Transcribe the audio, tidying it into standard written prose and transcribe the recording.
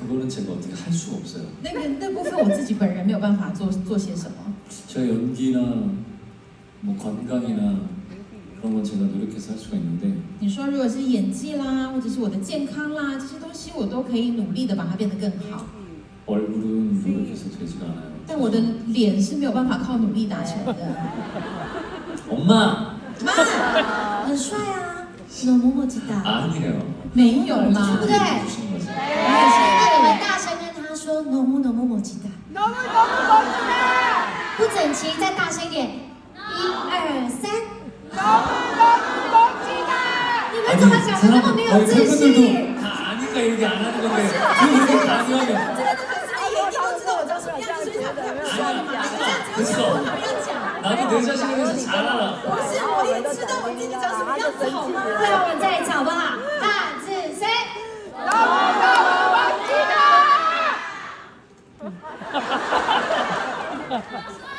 그거는 제가 어떻게 할 수가 없어요. 那部分我自己本人没有办法做些什么。 제가 연기나 뭐 건강이나 그런 건 제가 노력해서 할 수가 있는데 你说如果是演技啦，或者是我的健康啦，这些东西我都可以努力的把它变得更好。 얼굴은 노력해서 되지가 않아요. 但我的脸是没有办法靠努力达成的。 엄마! 妈， 很帅啊，너무 멋지다。 아니에요. 没有啦， 对不对？ 주신 거지. 那你们大声跟他说너무 멋지다。 不整齐，再大声一点。1、2、3。 你们怎么讲的那么没有自信？ 다 아니까 이렇게 안 하는 건데 그렇게 강요하면 这边的粉丝们也一定都知道我长什么样子，所以才不要说的嘛。你这样子要讲，我哪要讲？ 나도 내 자신에 대해서 잘 알아. 不是，我也知道我自己长什么样子，好吗？ 最后我们再一次好不好？3、4、3。 너무 멋지다!